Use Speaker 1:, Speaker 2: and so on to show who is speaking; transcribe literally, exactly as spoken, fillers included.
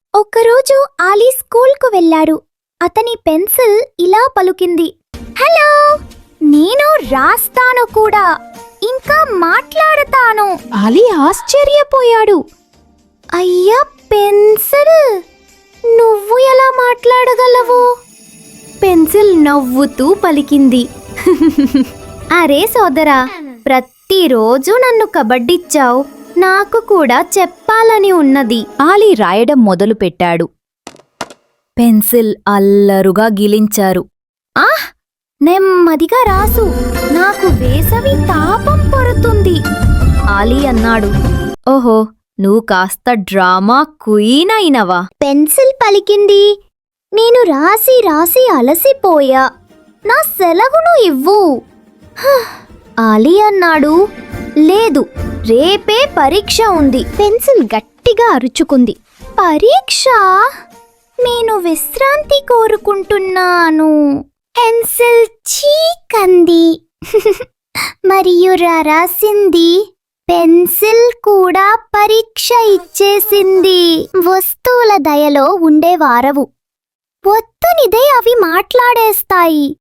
Speaker 1: ఒకరోజు ఆలీ స్కూల్కు వెళ్లాడు. అతని పెన్సిల్ ఇలా పలుకింది, హలో, నేను రాస్తాను కూడా, ఇంకా మాట్లాడతాను.
Speaker 2: ఆలీ ఆశ్చర్యపోయాడు.
Speaker 1: అయ్యా పెన్సిల్, నువ్వు ఎలా మాట్లాడగలవు? పెన్సిల్ నవ్వుతూ పలికింది, అరే సోదరా, ప్రతిరోజు నన్ను కబడ్డిచ్చావు, నాకు కూడా చెప్పాలని ఉన్నది.
Speaker 2: ఆలీ రాయడం మొదలుపెట్టాడు. పెన్సిల్ అల్లరుగా గిలించారు.
Speaker 1: ఆహ్, నెమ్మదిగా రాసు, నాకు వేసవి తాపం పడుతుంది.
Speaker 2: ఆలీ అన్నాడు. ఓహో, నువ్వు కాస్త డ్రామా క్వీన్ అయినవా?
Speaker 1: పెన్సిల్ పలికింది, నేను రాసి రాసి అలసిపోయా, నా సెలవును ఇవ్వు. హ్, ఆలీ అన్నాడు, లేదు, రేపే పరీక్ష ఉంది. పెన్సిల్ గట్టిగా అరుచుకుంది, పరీక్ష? నేను విశ్రాంతి కోరుకుంటున్నాను. పెన్సిల్ చీకంది. మరియు రాసింది, పెన్సిల్ కూడా పరీక్ష ఇచ్చేసింది. వస్తువుల దయలో ఉండేవారవు, ఒత్తునిదే అవి మాట్లాడేస్తాయి.